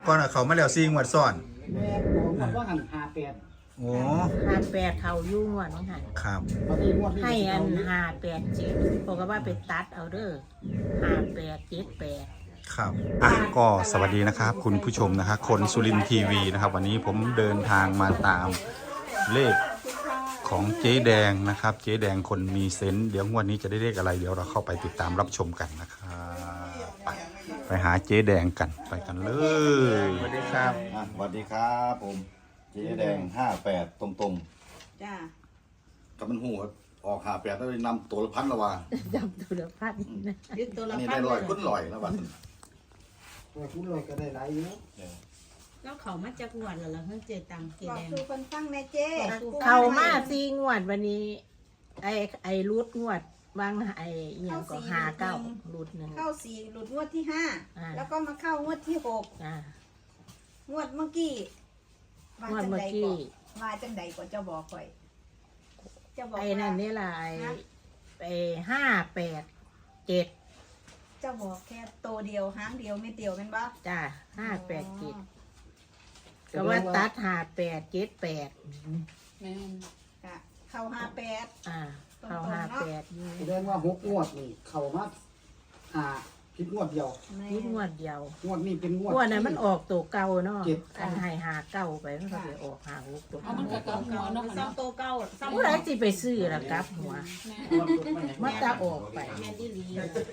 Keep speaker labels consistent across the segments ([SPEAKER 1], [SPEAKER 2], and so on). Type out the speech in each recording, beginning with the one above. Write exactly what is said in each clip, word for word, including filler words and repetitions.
[SPEAKER 1] ก่อนอะเขามาแล้วซีงวดซ้อน
[SPEAKER 2] แม่บอกว่าว่าหันหาแปด
[SPEAKER 1] โอ้
[SPEAKER 3] ห้าแปดเขายุ่งว่ะน้องหัน
[SPEAKER 1] ครับ
[SPEAKER 3] ให้อันห้าแปดเจ็ดบอกว่าไปตัดเอาเด้อห้าแปดเจ็ดแปด
[SPEAKER 1] ครับอ่ะก็สวัสดีนะครับคุณผู้ชมนะครับคนสุรินทร์ทีวีนะครับวันนี้ผมเดินทางมาตามเลขของเจ๊แดงนะครับเจ๊แดงคนมีเซนส์เดี๋ยววันนี้จะได้เลขอะไรเดี๋ยวเราเข้าไปติดตามรับชมกันนะครับไปไปหาเจ๊แดงกันไปกันเลยสวัสดีครับ
[SPEAKER 4] สวัสดีครับผมเจ๊แดงห้าแปดตรงๆ
[SPEAKER 5] จ้า
[SPEAKER 4] กับมันหูออกหาแปดแล้วนำตัวละพันละว่า
[SPEAKER 3] จำตัวละพันนะ
[SPEAKER 5] ยึดตัวละ
[SPEAKER 4] อันนี้
[SPEAKER 5] พัน
[SPEAKER 4] ได้ลอยคุ้นลอยแล้ววัน
[SPEAKER 2] ตัวคุณลอยก็ได้หลายอยู่
[SPEAKER 5] แล้วเขามาจากงวดแล้วเหรอเฮ้ยเจตังเจ
[SPEAKER 6] บอก
[SPEAKER 5] แดง
[SPEAKER 6] คือคนฟังแม่เจ้
[SPEAKER 3] เขามาซีงวดวันนี้ไอไอรูดงวดบางไออย่างก็หาเก้ารูดหนึ่ง
[SPEAKER 6] เข้าสี่หลุดงวดที่ห้า
[SPEAKER 3] อ่า
[SPEAKER 6] แล้วก็มาเข้างวดที่หก
[SPEAKER 3] อ่าง
[SPEAKER 6] วดเมื่อกี้มาง
[SPEAKER 3] วด
[SPEAKER 6] จัง
[SPEAKER 3] เมื่อ
[SPEAKER 6] ใด
[SPEAKER 3] กี้
[SPEAKER 6] ก่อนมาจังใดก่อนเจ้าบอกข่อยเจ้าบอก
[SPEAKER 3] ไอ
[SPEAKER 6] ว่า
[SPEAKER 3] นั่นนี่แหละไอไอห้าแปดเจ็ด
[SPEAKER 6] เจ้าบอกแค่โตวเดียวหางเดียวไม่เดียวเป็นบ่
[SPEAKER 3] จ้าห้าแปดเจ็ดก็ว่าตัดห้าแปดเจ็ดแปด
[SPEAKER 5] แม่น
[SPEAKER 6] ค่ะเข้าห้าแปด
[SPEAKER 3] อ่าเขาห้าแปดอยู่
[SPEAKER 2] แสดงว่าหกงวดนี่เข้ามาหาผิดงวดเดียว
[SPEAKER 3] นี่งวดเดียว
[SPEAKER 2] งวดนี้เป็นงวด
[SPEAKER 3] งวดนั้นมันออกตัวเก่าเนาะ
[SPEAKER 2] เจ็ด
[SPEAKER 3] อันให้หาเก้าไปมันก็ไปออกหาหกตัว
[SPEAKER 5] เอามันก็เก่าหัวเนาะ
[SPEAKER 6] ซ้ำโตวเก่าซ้ำ
[SPEAKER 3] ผู้ใดสิไปซื้อล่ะครับหัวมันจะออกไป
[SPEAKER 5] แม่นดีหลี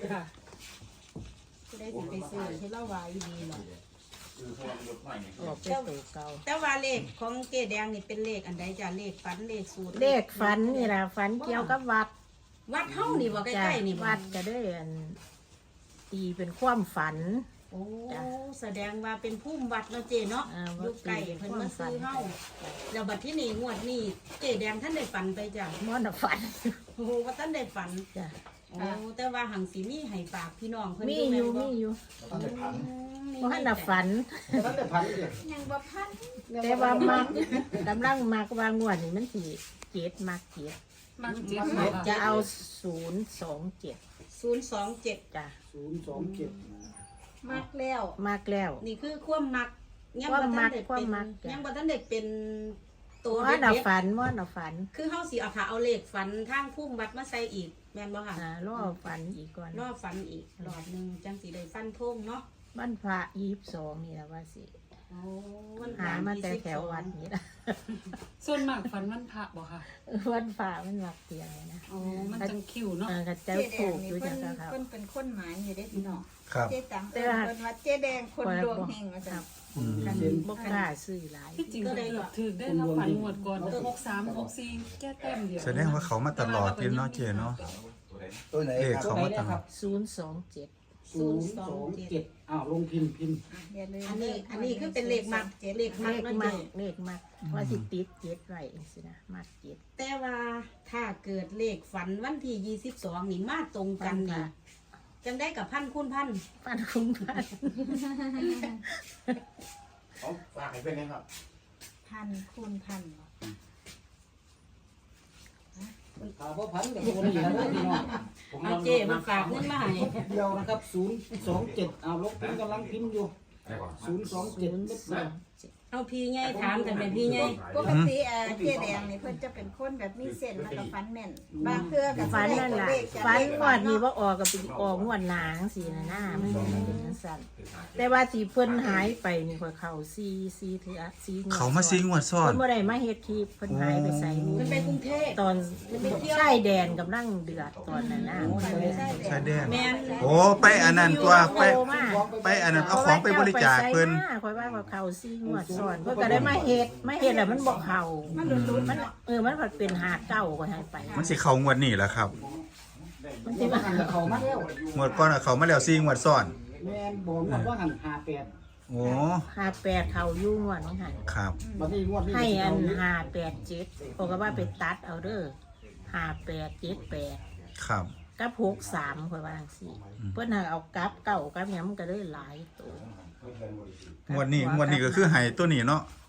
[SPEAKER 5] จะได้สิไปซื้อให้เราไว้ดีเนาะ
[SPEAKER 3] ออกเป็นตัวเก่า
[SPEAKER 5] แต่ว่าเลขของเจแดงนี่เป็นเลขอันใดจ้าเลขฝันเลขสูตร
[SPEAKER 3] เลขฝันนี่ล่ะฝันเกี่ยวกับวัด
[SPEAKER 5] วัดเฮานี่บ่ใก
[SPEAKER 3] จ้ะ
[SPEAKER 5] ล้ๆนี่บ่
[SPEAKER 3] วัดก็ได้อันตีเป็นความฝัน
[SPEAKER 5] โอ้แสดงว่าเป็นภูมิวัดเนาะเจเนาะ
[SPEAKER 3] อ่า
[SPEAKER 5] อ
[SPEAKER 3] วัด
[SPEAKER 5] ยู่ไกลเพิ่นมาซื้อเฮาแล้วบัดที่นี่งวดนี้เจแดงท่านได้ฝันไปจ้ะ
[SPEAKER 3] ม่อนฝัน
[SPEAKER 5] โอ้ว่าท่านได้ฝัน
[SPEAKER 3] จ้ะ
[SPEAKER 5] โอ้แต่ว่าหังสีมีให้ฝากพี่น้องเพิ่น
[SPEAKER 3] มีอยู่มีอยู่
[SPEAKER 4] ตั้งแต่พัน
[SPEAKER 3] เพราะให้น่ะฝัน
[SPEAKER 2] แต่ตั้งแต่พันเดียว
[SPEAKER 6] ยังบ่พัน
[SPEAKER 3] แต่ว่ามักกำลังมักว่างวดนี่มันสิเจ็ดมักเจ็ด
[SPEAKER 5] มักเจ็ด
[SPEAKER 3] จะเอาศูนย์สองเจ็ด
[SPEAKER 5] ศูนย์สองเจ็ด
[SPEAKER 3] จ้ะ
[SPEAKER 2] ศูนย์สองเจ็ด
[SPEAKER 6] มักแล้ว
[SPEAKER 3] มากแล้ว
[SPEAKER 5] นี่คือความมักยังบ่
[SPEAKER 3] ความมั
[SPEAKER 5] ทั
[SPEAKER 3] ก
[SPEAKER 5] นได้
[SPEAKER 3] ควา
[SPEAKER 5] เป็
[SPEAKER 3] ม
[SPEAKER 5] น
[SPEAKER 3] มักจ้ะ
[SPEAKER 5] ยังบ่ทันได้เป็นตัว
[SPEAKER 3] ม่อน
[SPEAKER 5] เด็
[SPEAKER 3] เอา
[SPEAKER 5] ด
[SPEAKER 3] ฝันม่อนเอาฝัน
[SPEAKER 5] ๆคือเฮาสิเอาค่ะเอาเลขฝันทางภูมิวัดมาใส่อีกแม่นบ่ค่ะ
[SPEAKER 3] อ่ารอฝันอีกก่อน
[SPEAKER 5] รอบฝันอีกรอบหนึงจังสิได้ฟันธงเนาะ
[SPEAKER 3] วันพระยี่สิบสองนี่แหละว่าสิ
[SPEAKER 5] โอ้วัน
[SPEAKER 3] หามาแต่แถววัดนี่ละ
[SPEAKER 7] ส่วนมากฝันวันพระบ่ค่ะ
[SPEAKER 3] วันพระมันหลักเตียงเลยนะ
[SPEAKER 7] อ๋อ มันจังคิวเนาะ
[SPEAKER 3] เออกระเจ้า
[SPEAKER 6] เจ๊แด
[SPEAKER 3] ถู
[SPEAKER 6] ง
[SPEAKER 3] กอ
[SPEAKER 6] นี่
[SPEAKER 3] ยู่
[SPEAKER 6] เพิ่
[SPEAKER 3] จั
[SPEAKER 6] น
[SPEAKER 3] งครับ
[SPEAKER 6] เพิ่นเป็นคนหมายอยู่เด้พี่น้อง
[SPEAKER 1] ครับ
[SPEAKER 6] เจ๊ตังเพิ่นเพิ่นว่าเจ๊แดงคนดวงเฮงว่า
[SPEAKER 3] ค
[SPEAKER 6] ซั่
[SPEAKER 3] รั
[SPEAKER 6] น
[SPEAKER 3] บกันบกล้าซื้อหลาย
[SPEAKER 7] ที่จริงก็ถือได้รับฝันงวดก่อนหกสามหกสี่แก้แต้มเดียว
[SPEAKER 1] แสดงว่าเขามาตลอดเลยเนาะเจเนาะ
[SPEAKER 4] ตัวไหน
[SPEAKER 1] เลข
[SPEAKER 4] ครับ
[SPEAKER 1] เขามาตลอด
[SPEAKER 3] ศูนย์สองเจ็ด
[SPEAKER 2] ศูนย์สองเจ็ดอ้าวลงพิมพ์พิมพ์
[SPEAKER 6] อ่ะอย่าลืม
[SPEAKER 5] อันนี้อันนี้คือเป็นเลขมักเลข
[SPEAKER 3] เล
[SPEAKER 5] มัก
[SPEAKER 3] ข
[SPEAKER 5] นั่น
[SPEAKER 3] มั
[SPEAKER 5] เอก ง
[SPEAKER 3] เลขมักว่าสิติดเจ็ดไว้สินะมักเจ็ด
[SPEAKER 5] แต่ว่าถ้าเกิดเลขฝันวันที่ยี่สิบสองนี่มาตรงกันนี่จังได้กับพันคูณพัน
[SPEAKER 3] ปันคุ้มพัน
[SPEAKER 4] เขาฝากให้เป็นไงครับ
[SPEAKER 6] พันคูณพัน
[SPEAKER 2] ถามว่าพันกับตัวนี้นะพี่น้อง
[SPEAKER 5] เอาเจมันฝากเงินมาให้
[SPEAKER 2] เดียวนะครับศูนย์สองเจ็ดอ้าวลบพิมพ์กำลังพิมพ์อยู่ศูนย์สองเจ็ด
[SPEAKER 3] ศูนย์สองเจ็ด
[SPEAKER 5] เอาพี่ไงถามกันเป็นพี่ไง
[SPEAKER 6] ปกติเอ่อเจ๊แดงนี่เพิ่นจะเป็นคนแบบมีเส้นแล้วก็ฟันแม่นบางเทื่อก็
[SPEAKER 3] ฝันนั่น
[SPEAKER 6] แห
[SPEAKER 3] ล่ะ
[SPEAKER 6] เลขจาก
[SPEAKER 3] ฝัน
[SPEAKER 6] เลข
[SPEAKER 3] งวดนี้ว่าออกกับออกงวดหนางสีนะหน้ามันเป็นจังซั่นแต่ว่าสีเพิ่นหายไปนี่ข่อยเข้าซีซีเถือซีงวด
[SPEAKER 1] เขามาซีงวดซ้อน
[SPEAKER 3] เพิ่นบ่ได้มาเฮ็ดคลิปเพิ่นหายไปใส่
[SPEAKER 5] มันไปกรุงเทพ
[SPEAKER 3] ตอนชายแดนกำลังเดือดตอนนั้นนะ
[SPEAKER 1] ชายแดน
[SPEAKER 5] แม่น
[SPEAKER 1] โอ้ไปอันนั้นตัวไปไปอันนั้นเอาของไปบริจาคเพิ่น
[SPEAKER 3] คอยว่าเขาเข้าซีงวดซ้อนเพิ่นก็ได้มาเฮ็ดมาเฮ็ดแล้วมันบ่เข้ามันมันเออมันก็เป็นหาเก้าก็ให้ไป
[SPEAKER 1] มันสิเขางวดนี้แหละครับ
[SPEAKER 3] มัน
[SPEAKER 2] ที่
[SPEAKER 3] สิ
[SPEAKER 2] ว่า
[SPEAKER 3] ว่า
[SPEAKER 2] หันกับเขามาแล้ว
[SPEAKER 1] งวดก่อนอะเขามาแล้วซีงวดซ้อน
[SPEAKER 2] แม่นบอกว่าหันหาแปด
[SPEAKER 1] โอ้
[SPEAKER 3] หาแปดเข้าอยู่งวดน้องหัน
[SPEAKER 1] ครับ
[SPEAKER 2] บัดนี้งวดนี้
[SPEAKER 3] ให้อัน
[SPEAKER 2] เขา
[SPEAKER 3] หาแปดเจ็ดบอกว่าไปตัดเอาเด้อหาแปดเจ็ดแปด
[SPEAKER 1] ครับ
[SPEAKER 3] กับหกสามคอยว่าจังซี่เพิ่นหาเอากับเก่ากับหยังมันก็เลยหลายตัว
[SPEAKER 1] งวดนี้งวดนี้ก็คือไห้ตัวนี้เนาะ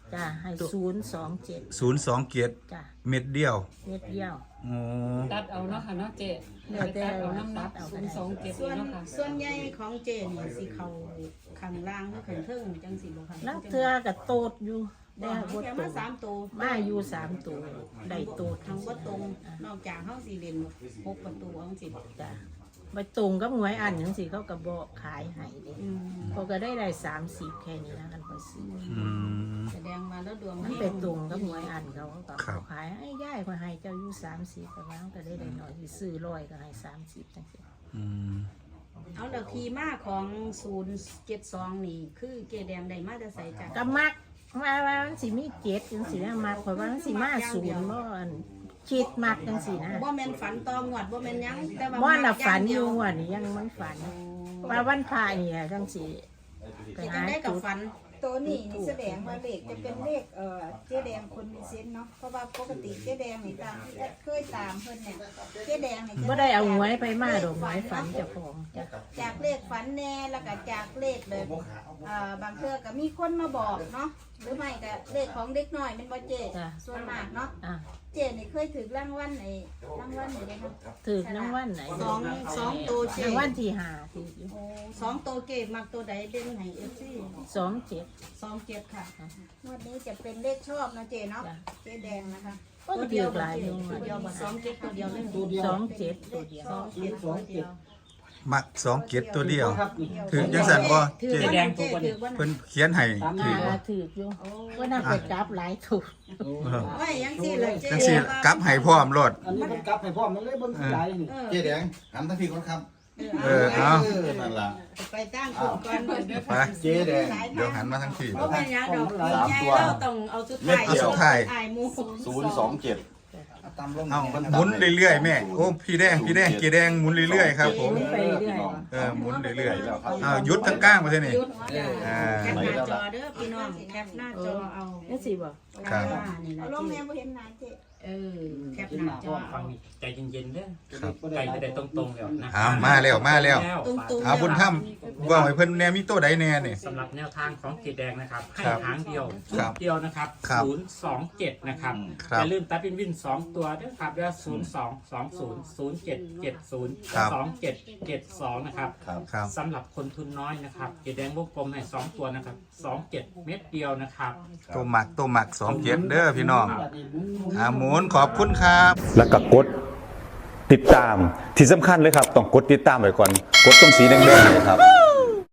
[SPEAKER 3] จ้ะให้ศูนย์สองเจ็ด
[SPEAKER 1] ศูนย์สองเกียรติ
[SPEAKER 3] จ้ะ
[SPEAKER 1] เม็ดเดียว
[SPEAKER 3] เม็ดเดียว
[SPEAKER 1] โอ้
[SPEAKER 7] ตัดเอาเนาะค่ะเนาะเจ๊
[SPEAKER 3] เดี๋ยวแต่
[SPEAKER 7] ตัดเอาน้ำหนัก
[SPEAKER 3] ตัดเอา
[SPEAKER 7] ศูนย์สองเจ็ด
[SPEAKER 5] ส่วน
[SPEAKER 7] เนาะค่ะ
[SPEAKER 5] ส่วนใหญ่ของเจนี่สิเขาข้างล่างหรือข้างเทิงจังสิบ่ค่ะ
[SPEAKER 3] ลังเทือกับโตดอยู่
[SPEAKER 5] ได้
[SPEAKER 3] ได้
[SPEAKER 5] บ่
[SPEAKER 3] บด
[SPEAKER 5] แค่
[SPEAKER 3] โต
[SPEAKER 5] มา
[SPEAKER 3] ด
[SPEAKER 5] สามตัว
[SPEAKER 3] มาอยู่สามตัวได้โตด
[SPEAKER 5] ทางบ่ตรง นอกจากเฮาสิเล่นหกประตูจังสิ
[SPEAKER 3] จ้ะไปตรงกับหวยอันจังสิเขาก็บอกขายให้เด้
[SPEAKER 5] อืม
[SPEAKER 3] เขาก็ได้ได้สามสิบแค่นี้นะกันพอซื้อ
[SPEAKER 1] อืม
[SPEAKER 5] แสดงมาแล้วดวง
[SPEAKER 3] มันเป็นตรงกับหวยอันเขาเขาก็
[SPEAKER 1] ครับ
[SPEAKER 3] ขายให้ย่ายก็ให้เจ้าอยู่สามสิบแต่ว่าเขาก็ได้ได้หน่อยที่ซื้อร้อยก็ให้สามสิบจังสิ
[SPEAKER 1] อืม
[SPEAKER 5] เอาแล้วทีมาของศูนย์เจ็ดสองนี่ คือเจแดงได้มาแต่ใส่จาก
[SPEAKER 3] ก็มักว่าว่ามันสิมีเจ็ดจังสินะมักเพราะว่ามันสิมาศูนย์บ่อันคิดมักจังสินะ
[SPEAKER 5] บ่แม่นฝันตองวดบ่แม่นหยังแต่ว่า
[SPEAKER 3] ว่าน่ะฝันอยู่
[SPEAKER 5] ว่า
[SPEAKER 3] ว่านี่ยังมันฝันว่าวันพระนี่อะจังสิไป
[SPEAKER 5] จั
[SPEAKER 3] หาง
[SPEAKER 5] ได้กับ
[SPEAKER 3] จุด
[SPEAKER 5] ฝัน
[SPEAKER 6] ตัวนี้นี่แสดงว่าเลขจะเป็นเลขเอ่อเจ๊แดงคนมีเซนส์เนาะเพราะว่าปกติเจ๊แดงนี่ตามที่เคยตามเพิ่นเนี่ยเจ๊แดงนี่จะ
[SPEAKER 3] บ่ได้เอาหวยไปมาดอกหวยฝันเจ้าของจ้ะ
[SPEAKER 6] จากเลขฝันแน่แล้วก็จากเลขเลยอ่าบางเทื่อก็มีคนมาบอกเนาะหรือไม่ก็เลขของเด็กน้อยเป็นบ่เจ๊ส่วนมากเนาะ
[SPEAKER 3] อ่ะ
[SPEAKER 6] เจ๊นี่เคยถือรางวัลไอ้รางวัลไหนได้เนาะ
[SPEAKER 3] ถือน้ำวันไหน
[SPEAKER 5] สองสองตัวเจ
[SPEAKER 3] น้ำวันที่ห้าถืออยู่
[SPEAKER 5] โอ้สองตัวเกตมักตัวใดเด่นให้ เอฟ ซี
[SPEAKER 3] สองเจ็ด
[SPEAKER 5] สองเจ็ดค่ะ
[SPEAKER 6] งวดนี้จะเป็นเลขชอบนะเจ๊เนาะ
[SPEAKER 3] จ้ะ
[SPEAKER 6] เจ๊แดงนะคะ
[SPEAKER 3] ก็เดียวหลายอยู่
[SPEAKER 5] ตัวเดียวบ่สองเจ็ดตัวเดียวเลย
[SPEAKER 2] ตัวเดียว
[SPEAKER 3] สองเจ็ดตัวเดียว
[SPEAKER 5] สองเจ็ดตัวเดียว
[SPEAKER 1] มักสองเกียรติตัวเดียว
[SPEAKER 2] ครับนี่
[SPEAKER 1] ถึงจังสันบ่
[SPEAKER 5] ถือ
[SPEAKER 1] เจ๊
[SPEAKER 5] ว่าเจ๊ถือว่า
[SPEAKER 1] เพิ่นเขียนให้
[SPEAKER 2] ตาม
[SPEAKER 1] ถื
[SPEAKER 2] นี้
[SPEAKER 1] อบ่
[SPEAKER 3] อ่าถืออยู่ว่าน่าไปกราบหลายถูก
[SPEAKER 5] ไว้ยังสิเลยเจ๊
[SPEAKER 1] จังสิกลับให้พร้อมโลด
[SPEAKER 2] อันนี้มันกลับให้พ่อมันเลยเบิ่งหลายนี่
[SPEAKER 5] เออ
[SPEAKER 4] เจ๊แดงหันทั้งพี่ก่อนครับ
[SPEAKER 1] เออเอา
[SPEAKER 4] เออนั่นล่ะ
[SPEAKER 5] ไปตั้งคุณก่อน
[SPEAKER 1] ไป
[SPEAKER 4] เจ๊แดง
[SPEAKER 1] เดี๋ยวหันมาทางที่
[SPEAKER 5] เพราะเป็นยังดอก
[SPEAKER 4] สามตัว
[SPEAKER 5] เราต้องเอาสุดท้าย
[SPEAKER 1] เอาสุดท้าย
[SPEAKER 5] อายหมู
[SPEAKER 4] ศูนย์สองเจ็ด
[SPEAKER 2] ตามลง
[SPEAKER 1] เอาหมุนเรื่อยๆแม่โอ้พี่แดงพี่แดงเกียร์แดงหมุนเรื่อยๆครับผม
[SPEAKER 3] ไปเรื่อย
[SPEAKER 1] เออหมุนเรื่อยๆอ้าวหยุดทั้งก้างมาเท่านี้
[SPEAKER 5] หยุด
[SPEAKER 1] อ่า
[SPEAKER 5] แคปหน้าจอเด้อพี่น้องแคปหน้าจอเอา
[SPEAKER 3] นั่นสิบ่
[SPEAKER 1] ครับ
[SPEAKER 5] อ่านี่ล่ะ
[SPEAKER 6] เอาลงแม่
[SPEAKER 5] เจ๊
[SPEAKER 6] บ่เห็นหน้าเจ๊
[SPEAKER 5] เออแคปหน้าจอเอา
[SPEAKER 8] ใจเย็นๆเด้อ
[SPEAKER 1] ครับ
[SPEAKER 8] ใจไม่ได้ตรงๆแล้วนะ
[SPEAKER 1] อ้าวมาแล้วมาแล้ว
[SPEAKER 5] ตรงๆ
[SPEAKER 1] เอาบุญถ้ำว่าให้เพิ่นแน่มีตัวใดแน่นี่
[SPEAKER 8] สำหรับแนวทางของเกดแดงนะครับให้
[SPEAKER 1] ครับ
[SPEAKER 8] หางเดียว
[SPEAKER 1] ครับ
[SPEAKER 8] เดียวนะครับ
[SPEAKER 1] ครับ
[SPEAKER 8] ศูนย์สองเจ็ดนะครับ
[SPEAKER 1] ครับ
[SPEAKER 8] อย่าลืมตัดวินวินสองตัวด้วยครับแล้วศูนย์สองสองศูนย์ศูนย์เจ็ดเจ็ดศูนย์
[SPEAKER 1] ครับ
[SPEAKER 8] สองเจ็ดเจ็ดสองนะครับ
[SPEAKER 4] ครับ
[SPEAKER 1] ครับ
[SPEAKER 8] สำหรับคนทุนน้อยนะครับเกดแดงวงกลมให้สองตัวนะครับสองเจ็ดเม็ดเดียวนะครับ
[SPEAKER 1] ตัวหมักตัวหมักสองเกียรติเด้อพี่น้อง
[SPEAKER 2] แบบนี้หมุนหมุน
[SPEAKER 1] อ่าหมุนขอบคุณครับ
[SPEAKER 9] แล้วก็กดติดตามที่สำคัญเลยครับ ต้องกดติดตามไว้ก่อน กดตรงสีแดงๆเนยครับ